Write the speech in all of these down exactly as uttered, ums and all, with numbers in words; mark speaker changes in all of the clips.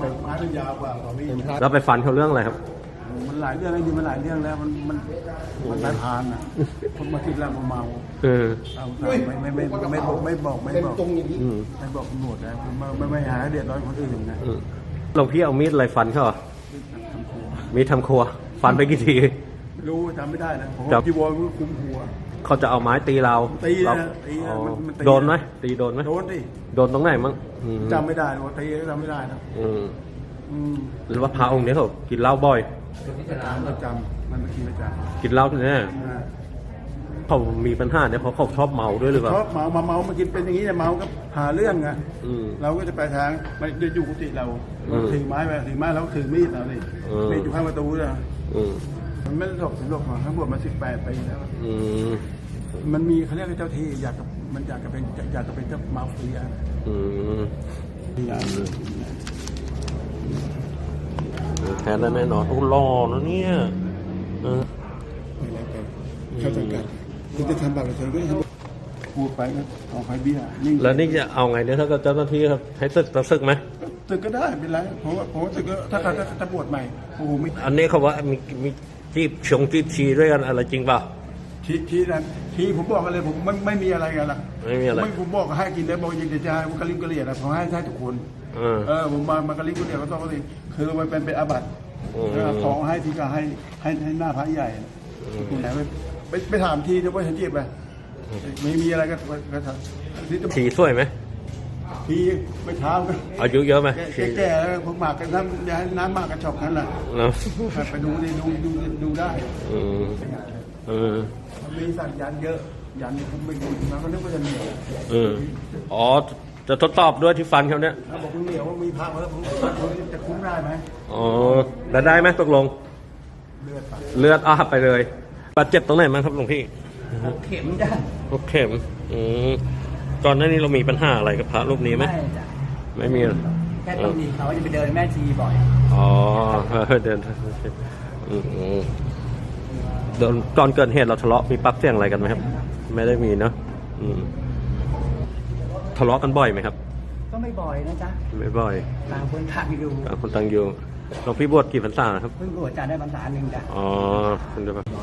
Speaker 1: แต่ไม้มันยาวกว่าตอนนี้
Speaker 2: แล้วไปฟันเขาเรื่องอะไรครับ
Speaker 1: มันหลายเรื่องแล้วจริงมันหลายเรื่องแล้วมันมันมันสายพานอ่ะคนมาคิดแล้วมาเมา
Speaker 2: เออ
Speaker 1: เอาไม่ไม่ไม่ไม่บอกไม่บอกไม่บอกไม่บอกตำรวจแล้วไม่ไม่หาเดือดร้อนคนอื่นนะ
Speaker 2: หลวงพี่เอามีดอะไรฟันเขามีดทำครัวฟันไปกี่ที
Speaker 1: รู้จำไม่ได้นะผมจีวรมันคุ้มหัว
Speaker 2: เขาจะเอาไม้ตีเรา
Speaker 1: ตีนะตี
Speaker 2: โดนไหมตีโดนไหม
Speaker 1: โดนดิ
Speaker 2: โดนตรงไหนมั้ง
Speaker 1: จำไม่ได้ว่าตีจำไม่ได้นะ
Speaker 2: หรือว่าพระองค์นี้เขากินเหล้าบ่อย
Speaker 1: ประจำมันกินประจ
Speaker 2: ำกินเหล้าเนี่ยเขามีปัญหาเนี่ยเพราะเขาชอบเมาด้วยหรือเปล่า
Speaker 1: ชอบเมามาเมามากินเป็นอย่างนี้เนี่ยเมาก็หาเรื่องไงเราก็จะไปทางไปอยู่กุฏิเราถือไม้ไปถือไม้แล้วถือมีดเราดิมีดอยู่ข้างประตูเลยมันไม่หลบหลบมาทั้งหมดมาสิบแปดปีแล้วมันมีเขาเรียกเจ้าที่อยากกับมันอยากจะเป็นอยากจะเป็นเจ้ามาเฟีย
Speaker 2: แทนได้แน่นอนโอ้หล่อนะเนี่ย
Speaker 1: เข้าใจกันคุณจะทำแบบอะไรก็ทำพูดไปก็เอาไปเบี้ย
Speaker 2: แล้วนี่จะเอาไงเนี่ยถ้าเจ้าหน้าที่ครับให้ศึกต้องศึกไหม
Speaker 1: ศึกก็ได้เป็นไรเพราะว่าเพราะว่าศึกก็ถ้าเขาจะบวชใหม่โอ้โหไม่
Speaker 2: อันนี้เขาว่ามีมีจีบชงจีบชีด้วยกันอะไรจริงเปล่า
Speaker 1: ชีชีนั้นชีผมบอกกันเลยผมไม่ไม่มีอะไรกันละ
Speaker 2: ไม่มีอะไร
Speaker 1: ไม่ผมบอกให้กินได้บอกยินดีใจผมกระลิมกระเหลี่ยนะผมให้ใช้ทุกคนเออผมมามากระลิมกระเหลี่ยก็ต้องสิคือมันเป็นเป็นอาบัติของให้ที่ก็ให้ให้ให้หน้าพระใหญ่คุณไหนไปไปถามทีเดี๋ยวว่าฉันจีบไปไม่มีอะไรก็ก็ท
Speaker 2: ำชีสวยไหม
Speaker 1: ทีไม่เท้ากัน
Speaker 2: อายุเยอะไหม
Speaker 1: แก่แล้วผมหมากกันน้ำย้ายน้ำหมากกันชอบนั้นแหละไปดูดิดูดูดูได้
Speaker 2: เออ
Speaker 1: มีสัญญาณเยอะยันผมไปดูมาก็นึกว่าจะเหนียว
Speaker 2: เอออ๋อจะทดสอบด้วยที่ฟันเขาเนี่ย
Speaker 1: เขาบอกเหนียวว่ามีพระแล้วผมจะคุ้มได้ไหม
Speaker 2: อ๋อแล้วได้ไหมตกลง
Speaker 1: เลือด
Speaker 2: เลือดอาบไปเลยบาดเจ็บตรงไหนมั้งครับหลวงพี่
Speaker 1: เข็มจ้ะ
Speaker 2: เข็มอืมก่อนหน้านี้เรามีปัญหาอะไรกับพระรูปนี้ไหม
Speaker 1: ไม่จ้ะ
Speaker 2: ไม่มี
Speaker 1: แค่ตรงนี้เขาจะไปเดินแม่ชีบ่อย
Speaker 2: อ๋อเดินเดินก่อนเกิดเหตุเราทะเลาะมีปากเสียงอะไรกันไหมครับไม่ได้มีเนาะทะเลาะกันบ่อยไหมครับ
Speaker 1: ก็ไม่บ่อยนะจ๊ะ
Speaker 2: ไม่บ่อย
Speaker 1: ต่างคนต่างอยู่
Speaker 2: ต่างคนต่างอยู่หลวงพี่บวชกี่พรรษาครับ
Speaker 1: เพิ่งบวชจะได้พรรษาหนึ่งจ้ะ
Speaker 2: อ๋อคุณจะแบบ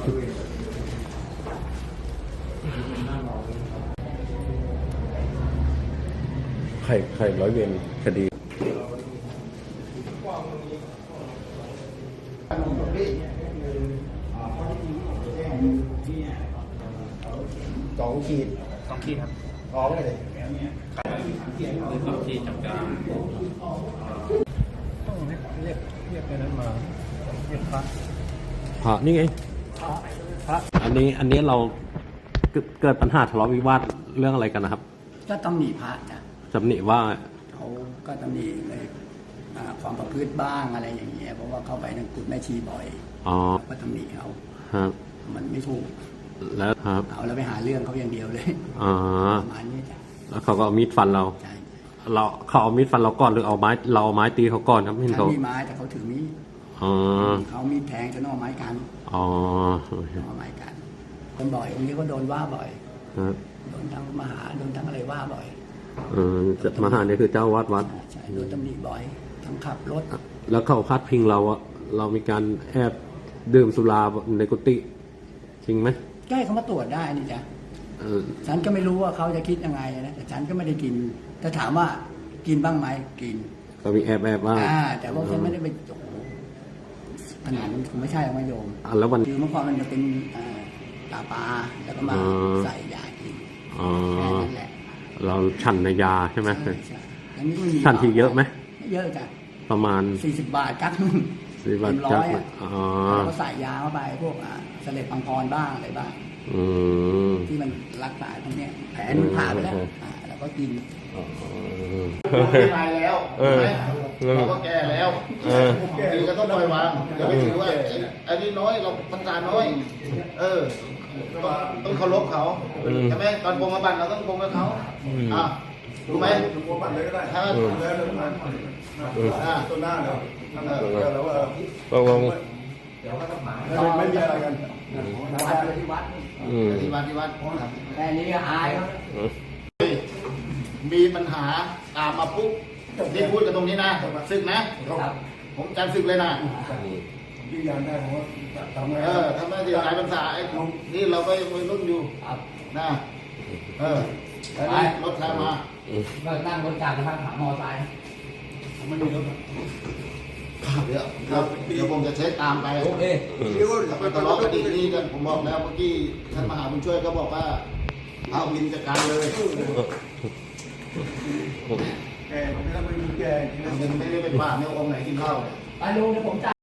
Speaker 2: ใครใครร้อยเวรคดี
Speaker 1: สองขีด
Speaker 3: สองขีดครับ
Speaker 1: ร้องเลย
Speaker 3: สองขีดจับกลาง
Speaker 1: ต้องเรียกเรียกเรียกไปนั้นมาเรียกพระ
Speaker 2: พระนี่ไง
Speaker 1: พระ
Speaker 2: อันนี้อันนี้เราเกิดปัญหาทะเลาะวิวาทเรื่องอะไรกันนะครับ
Speaker 1: ก็ตำหนิพระจ้ะ
Speaker 2: ตำหนิว่า
Speaker 1: เขาก็ตำหนิเลยความประพฤติบ้างอะไรอย่างเงี้ยเพราะว่าเข้าไปในกุฏแม่ชีบ่อย
Speaker 2: อ๋อ
Speaker 1: ก็ตำหนิเขา
Speaker 2: ครับ
Speaker 1: มันไม่ถูก
Speaker 2: แล้วครับ
Speaker 1: เอาแล้วไปหาเรื่องเขาอย่างเดียวเลย
Speaker 2: อ๋อ
Speaker 1: ประมาณนี้จ้ะ
Speaker 2: แล้วเขาก็เอามีดฟันเรา
Speaker 1: ใช่
Speaker 2: เราเขาเอามีดฟันเราก่อนหรือเอาไม้เราเอาไม้ตีเขาก่อนครับ
Speaker 1: เห็นเขามีไม้แต่เขาถือมีด
Speaker 2: อ๋อ
Speaker 1: เขามีแทงจะนอกไม้กัน
Speaker 2: อ๋อ
Speaker 1: ไม้กันคนบ่อยคนนี้ก็โดนว่าบ่อย
Speaker 2: ครับ
Speaker 1: โดนทั้งมหาโดนทั้งอะไรว่าบ่อย
Speaker 2: เออจะมหาเนี่ยคือเจ้าวัดวัด
Speaker 1: ใช่โดนตำหนิบ่อยทั้งขับรถ
Speaker 2: แล้วเขาพาดพิงเราอะเรามีการแอบดื่มสุราในกุฏิจริงไหม
Speaker 1: ใกล้เขามาตรวจได้นี่จ้ะฉันก็ไม่รู้ว่าเขาจะคิดยังไงนะแต่ฉันก็ไม่ได้กินแต่ถามว่ากินบ้างไหมกิน
Speaker 2: ก็มีแอบแอบบ้าง
Speaker 1: แต่ว่าฉันไม่ได้ไปโอ้โหขนาดนั้นคงไม่ใช่ไม่โยม
Speaker 2: แล้ววัน
Speaker 1: คือเมื่อก่อนมันจะเป็นตาปลาแล้วก็มาใส่ยากินแค่นั้นแหละ
Speaker 2: เราฉันในยาใช่ไหม
Speaker 1: ใช่
Speaker 2: ฉันทีเยอะไหม
Speaker 1: เยอะจ้ะ
Speaker 2: ประมาณ
Speaker 1: สี่สิบบาทกั๊ก
Speaker 2: สี่บาท
Speaker 1: ร้อยอ๋อเขาใส่ยาเข้าไปพวกเสลดปังพรบ้างอะไรบ้างที่มันรักษาตรงนี้แผลมันผ่าไปแล้วแล้วก็กิน
Speaker 3: ไม่ตายแล้วเราก็แก่แล้วดีก็ต้องปล่อยวางอย่าไปถือว่าอันนี้น้อยเราพรรษาน้อยเออต้องเคารพเขาใช่ไหมตอนปรงอาบัติเราต้องปรงกับเขาอ่ะรู้ไหมปรงอาบัติเลยก็ได้ถ้าตัวหน้าเนาะแล้วว่า
Speaker 2: ตกลง
Speaker 1: ไม่มีอะไรกันวัดที่วัด
Speaker 3: ที่วัดที่วัด
Speaker 1: แค่นี้อาย
Speaker 3: มีปัญหาตามมาปุ๊บนี่พูดกันตรงนี้นะศึกนะผมจำศึกเลยนะ
Speaker 1: ยืนยันได้ผมว่าทำไง
Speaker 3: เออทำไมที่หลายภาษาไอ้นี่เราก็ยังวัยรุ่นอยู่นะเออแล้วนี่รถใครมา
Speaker 4: ก็นั่งรถจักรยานหามอไซค์
Speaker 1: ไม่มีรถ
Speaker 3: เดี๋ยวครับเดี๋ยวผมจะเช็คตามไป
Speaker 4: โอเค
Speaker 1: เดี๋ยว
Speaker 3: แล้วไปทะเลาะกันดีนี่กันผมบอกแล้วเมื่อกี้ท่านมหาบุญช่วยก็บอกว่าเอาวินจัดการเลย
Speaker 1: แกไม่ต้องไปมีแก
Speaker 3: ยังไม่ได้ไปป่าเนี่ยองค์ไหนกินข้าวเลย
Speaker 4: ไปลุงเดี๋ยวผมจ่าย